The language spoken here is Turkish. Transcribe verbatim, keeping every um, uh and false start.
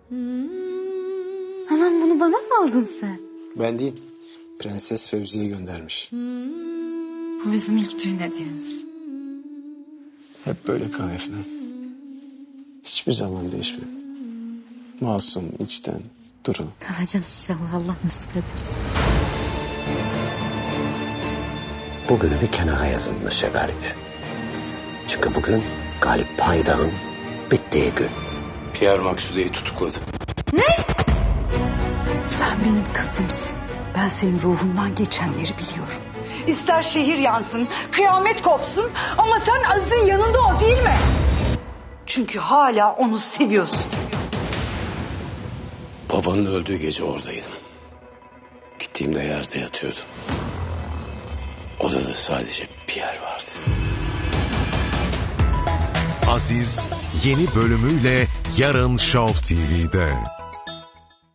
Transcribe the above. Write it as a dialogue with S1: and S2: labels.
S1: Anam bunu bana mı aldın sen?
S2: Ben değil. Prenses Fevzi'ye göndermiş.
S1: Bu bizim ilk düğün hediyemiz.
S2: Hep böyle kal Efnan. Hiçbir zaman değişme. Masum, içten, duru.
S1: Kalacağım inşallah, Allah nasip ederse.
S3: Bugünü bir kenara yazın Monsieur Galip. Çünkü bugün Galip Payda'nın bittiği gün.
S2: Pierre Maksude'yi tutukladı.
S4: Sen benim kızımsın. Ben senin ruhundan geçenleri biliyorum.
S5: İster şehir yansın, kıyamet kopsun ama sen Aziz'in yanında ol değil mi? Çünkü hala onu seviyorsun.
S3: Babanın öldüğü gece oradaydım. Gittiğimde yerde yatıyordu. Odada sadece Pierre vardı.
S6: Aziz yeni bölümüyle yarın Show T V'de.